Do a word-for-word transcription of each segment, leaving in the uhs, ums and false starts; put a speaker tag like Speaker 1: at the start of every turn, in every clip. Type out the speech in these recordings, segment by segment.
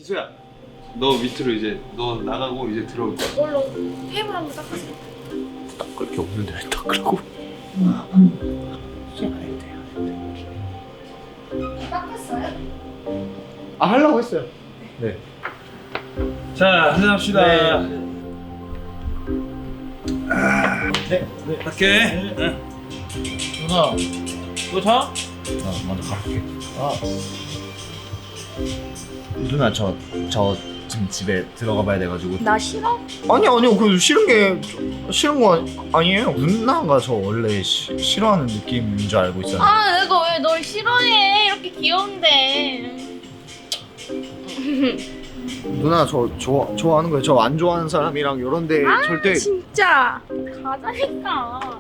Speaker 1: 지수야, 너 밑으로 이제 너 나가고 이제 들어올 거야.
Speaker 2: 이걸로 테이블 한번 닦으세요.
Speaker 1: 닦을 게 없는데 왜 닦으라고? 솔직히 안 해도 돼요.
Speaker 2: 닦았어요?
Speaker 1: 아, 하려고 했어요. 네. 자, 한잔 합시다. 네. 아, 네. 네. 갈게. 네.
Speaker 3: 누나, 너 자?
Speaker 1: 나 먼저 갈게.
Speaker 3: 아,
Speaker 1: 누나 저, 저 지금 집에 들어가 봐야 돼가지고.
Speaker 2: 나 싫어?
Speaker 3: 아니 아니요. 그 싫은 게 싫은 거 아니에요. 누나가 저 원래 시, 싫어하는 느낌인 줄 알고 있었는데.
Speaker 2: 아 내가 왜 널 싫어해? 이렇게 귀여운데.
Speaker 3: 누나 저 좋아 좋아하는 거예요. 저 안 좋아하는 사람이랑 이런데
Speaker 2: 아
Speaker 3: 절대.
Speaker 2: 진짜 가자니까.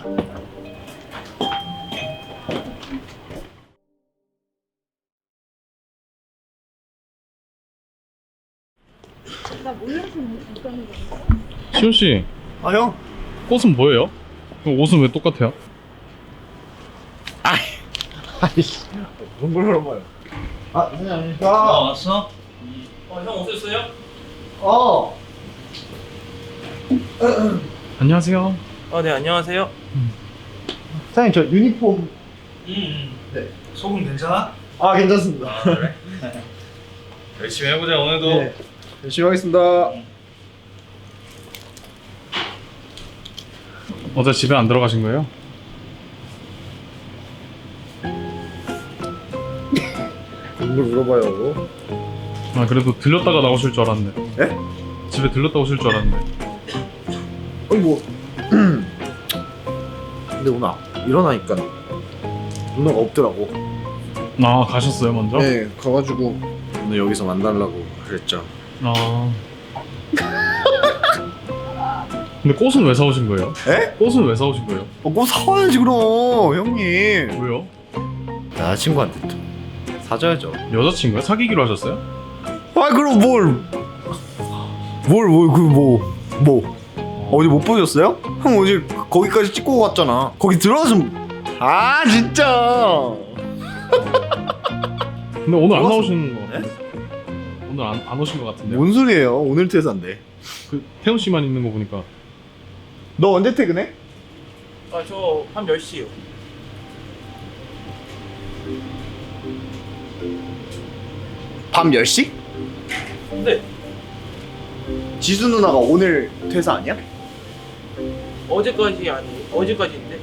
Speaker 2: 나 몰라서 못 가는 거야.
Speaker 4: 시호 씨,
Speaker 3: 아 형.
Speaker 4: 꽃은 뭐예요? 그럼 옷은 왜 똑같아요?
Speaker 3: 아이씨. 무슨 걸 물어봐요. 아 사장님.
Speaker 4: 아,
Speaker 3: 아.
Speaker 4: 왔어? 어, 형 오셨어요?
Speaker 3: 어.
Speaker 4: 안녕하세요.
Speaker 5: 어, 네, 안녕하세요.
Speaker 3: 사장님 저 유니폼.
Speaker 4: 음,
Speaker 3: 네.
Speaker 4: 소금 괜찮아?
Speaker 3: 아 괜찮습니다.
Speaker 4: 아, 그래? 열심히 해보자 오늘도.
Speaker 3: 네. 열심히 하겠습니다.
Speaker 4: 어제 집에 안 들어가신 거예요?
Speaker 3: 뭘 물어봐요.
Speaker 4: 아, 그래도 들렸다가 나오실 줄 알았는데.
Speaker 3: 예?
Speaker 4: 집에 들렸다 오실 줄 알았는데.
Speaker 3: 아니 뭐. 근데 오늘 일어나니까 누나가 없더라고.
Speaker 4: 아, 가셨어요 먼저?
Speaker 3: 네, 가가지고 오늘 여기서 만나려고 그랬죠.
Speaker 4: 아. 근데 꽃은 왜 사오신 거예요?
Speaker 3: 에?
Speaker 4: 꽃은 왜 사오신 거예요?
Speaker 3: 어, 뭐 사와야지 그럼 형님.
Speaker 4: 왜요?
Speaker 3: 여자친구한테 좀 사줘야죠.
Speaker 4: 여자친구요? 사귀기로 하셨어요?
Speaker 3: 아 그럼 뭘? 뭘 뭘 그 뭐 뭐? 어디 못 보셨어요? 형 어제 거기까지 찍고 갔잖아. 거기 들어가서 아 진짜.
Speaker 4: 근데 오늘 안
Speaker 3: 들어왔어.
Speaker 4: 나오시는 거 같은데. 오늘 안, 안 오신 것 같은데.
Speaker 3: 뭔 소리예요? 오늘 퇴사인데.
Speaker 4: 그 태훈 씨만 있는 거 보니까.
Speaker 3: 너 언제 퇴근해?
Speaker 5: 아, 저 밤 열 시요.
Speaker 3: 밤 열 시?
Speaker 5: 네,
Speaker 3: 지수 누나가 오늘 퇴사 아니야?
Speaker 5: 어제까지 아니, 어제까지인데.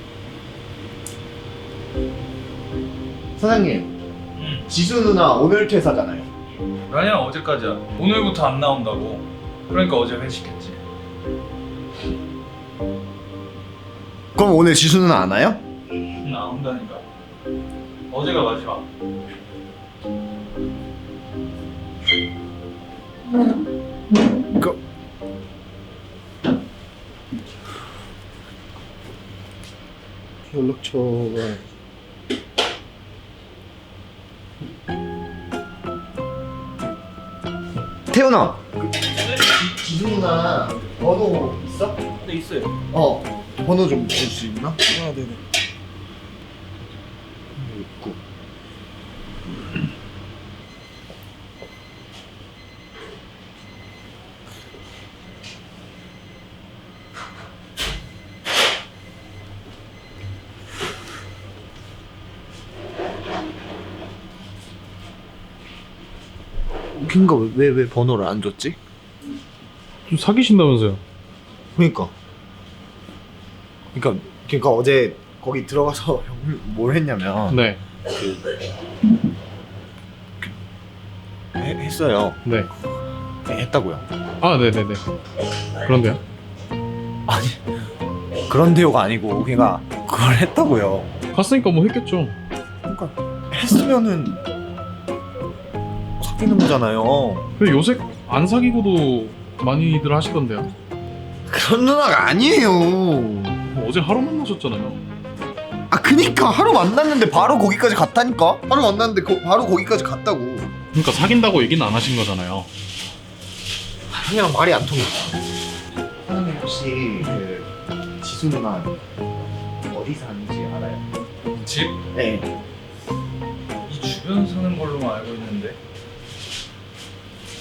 Speaker 3: 사장님,
Speaker 1: 응.
Speaker 3: 지수 누나 오늘 퇴사잖아요.
Speaker 1: 아니야, 어제까지야. 오늘부터 안 나온다고. 그러니까 어제 회식했지.
Speaker 3: 그럼 오늘 지수 누나 안 와요?
Speaker 1: 나온다니까. 어제가 마지막.
Speaker 3: 그 연락처가 태훈아, 그, 지- 지수 누나 번호 있어?
Speaker 5: 네, 있어요.
Speaker 3: 어, 번호 좀 줄 수 있나?
Speaker 5: 아, 네네.
Speaker 3: 있고. 웃긴가 왜 왜 번호를 안 줬지?
Speaker 4: 좀 사귀신다면서요?
Speaker 3: 그러니까. 그러니까 그러니까 어제 거기 들어가서 형 뭘 했냐면
Speaker 4: 네.
Speaker 3: 해, 했어요.
Speaker 4: 네.
Speaker 3: 네, 했다고요.
Speaker 4: 아, 네네네. 그런데요?
Speaker 3: 아니 그런데요가 아니고 그러니까 그걸 했다고요.
Speaker 4: 갔으니까 뭐 했겠죠.
Speaker 3: 그러니까 했으면은 사귀는 거잖아요.
Speaker 4: 근데 요새 안 사귀고도 많이들 하시던데요.
Speaker 3: 그런 누나가 아니에요.
Speaker 4: 뭐 어제 하루 만나셨잖아요.
Speaker 3: 아 그니까 하루 만났는데 바로 거기까지 갔다니까. 하루 만났는데 거, 바로 거기까지 갔다고.
Speaker 4: 그러니까 사귄다고 얘기는 안 하신 거잖아요.
Speaker 3: 형이랑 말이 안 통해. 사장님 혹시 그 지수 누나 어디 사는지 알아요?
Speaker 1: 집?
Speaker 3: 네.
Speaker 1: 이 주변 사는 걸로만 알고 있는데.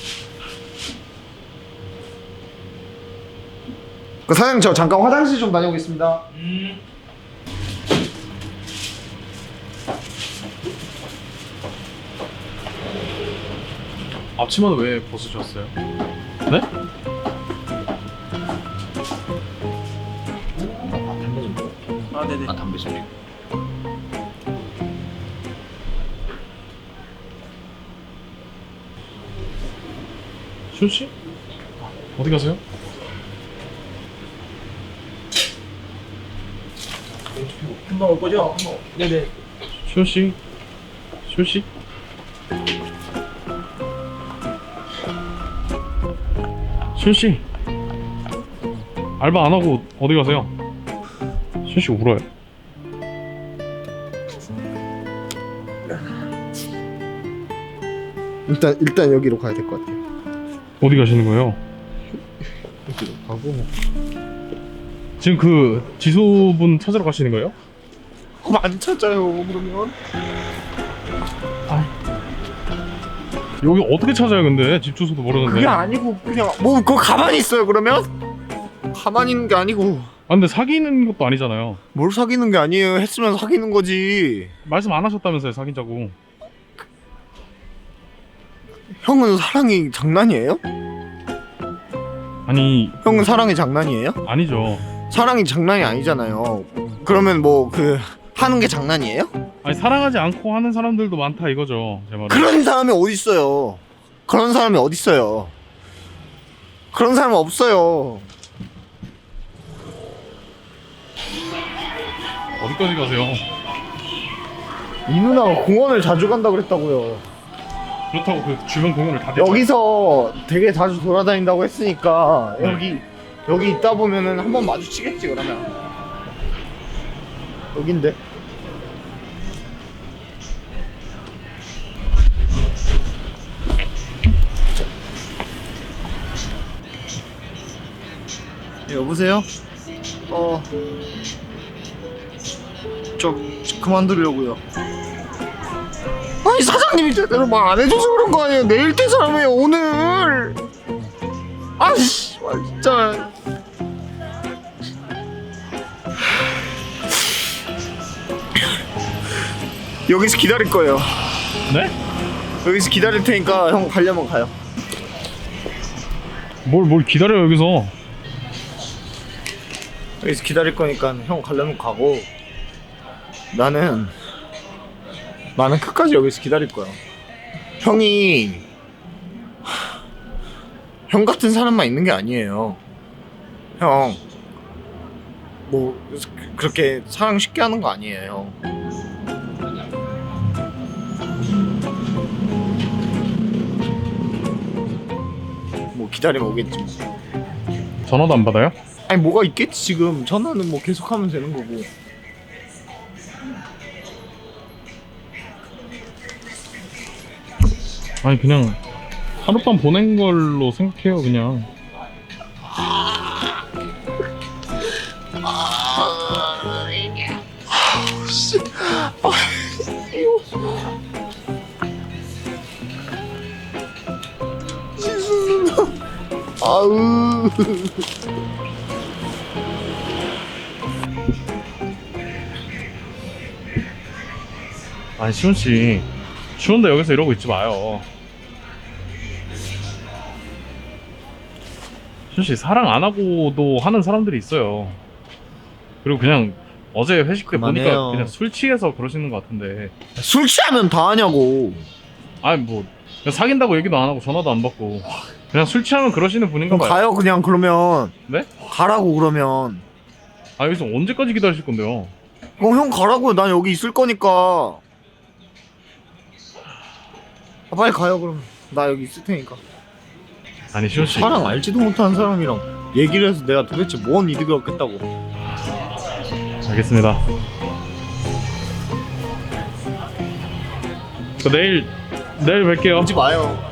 Speaker 3: 그 사장님 저 잠깐 화장실 좀 다녀오겠습니다.
Speaker 1: 음.
Speaker 4: 앞치마는 왜 벗으셨어요? 네?
Speaker 5: 아 네네.
Speaker 1: 아 담배 소리.
Speaker 4: 시훈 씨? 어디 가세요?
Speaker 5: 금방 올 거죠? 네네.
Speaker 4: 시훈 씨? 시훈 씨? 시훈 씨? 알바 안 하고 어디 가세요? 시훈 씨 울어요.
Speaker 3: 일단 일단 여기로 가야 될 것 같아요.
Speaker 4: 어디 가시는 거예요?
Speaker 3: 여기로 가고.
Speaker 4: 지금 그 지소분 찾으러 가시는 거예요?
Speaker 3: 그럼 안 찾아요. 그러면
Speaker 4: 여기 어떻게 찾아요 근데? 집 주소도 모르는데.
Speaker 3: 그게 아니고 그냥 뭐 그거 가만히 있어요. 그러면 가만히 있는 게 아니고
Speaker 4: 아 근데 사귀는 것도 아니잖아요.
Speaker 3: 뭘 사귀는 게 아니에요. 했으면 사귀는 거지.
Speaker 4: 말씀 안 하셨다면서요 사귀자고.
Speaker 3: 형은 사랑이 장난이에요?
Speaker 4: 아니
Speaker 3: 형은 사랑이 장난이에요?
Speaker 4: 아니죠.
Speaker 3: 사랑이 장난이 아니잖아요. 그러면 뭐 그 하는 게 장난이에요?
Speaker 4: 아니 사랑하지 않고 하는 사람들도 많다 이거죠 제 말은.
Speaker 3: 그런 사람이 어디 있어요? 그런 사람이 어디 있어요? 그런 사람 없어요.
Speaker 4: 어디까지 가세요?
Speaker 3: 이 누나가 공원을 자주 간다 그랬다고요.
Speaker 4: 그렇다고 그 주변 공원을 다 대죠.
Speaker 3: 여기서 되게 자주 돌아다닌다고 했으니까
Speaker 4: 네.
Speaker 3: 여기 여기 있다 보면은 한번 마주치겠지 그러면. 여긴데. 네, 여보세요? 어, 저 그만두려고요. 아니 사장님이 제대로 말 안 해줘서 그런 거 아니에요? 내일 퇴사라며요 오늘. 아이씨 진짜. 여기서 기다릴 거예요.
Speaker 4: 네?
Speaker 3: 여기서 기다릴 테니까 형 가려면 가요.
Speaker 4: 뭘 뭘 기다려요 여기서.
Speaker 3: 여기서 기다릴 거니까 형 가려면 가고 나는 나는 끝까지 여기서 기다릴 거야. 형이 형 같은 사람만 있는 게 아니에요. 형 뭐 그렇게 사랑 쉽게 하는 거 아니에요. 뭐 기다리면 오겠지 뭐.
Speaker 4: 전화도 안 받아요?
Speaker 3: 아니 뭐가 있겠지 지금. 전화는 뭐 계속하면 되는 거고.
Speaker 4: 아니 그냥 하룻밤 보낸 걸로 생각해요 그냥.
Speaker 3: 아우.
Speaker 4: 아니 시훈씨 추운데 여기서 이러고 있지 마요. 시훈씨 사랑 안 하고도 하는 사람들이 있어요. 그리고 그냥 어제 회식 때
Speaker 3: 그만해요.
Speaker 4: 보니까 그냥 술 취해서 그러시는 것 같은데.
Speaker 3: 술 취하면 다 하냐고.
Speaker 4: 아니 뭐 그냥 사귄다고 얘기도 안 하고 전화도 안 받고 그냥 술 취하면 그러시는 분인가
Speaker 3: 그럼
Speaker 4: 봐요.
Speaker 3: 가요 그냥. 그러면
Speaker 4: 네?
Speaker 3: 가라고. 그러면
Speaker 4: 아 여기서 언제까지 기다리실 건데요?
Speaker 3: 그럼 형 가라고. 난 여기 있을 거니까. 아, 빨리 가요 그럼. 나 여기 있을 테니까.
Speaker 4: 아니 시훈씨
Speaker 3: 사랑 알지도 못하는 사람이랑 얘기를 해서 내가 도대체 뭔 이득을 얻겠다고.
Speaker 4: 알겠습니다. 그 내일 내일 뵐게요.
Speaker 3: 오지 마요.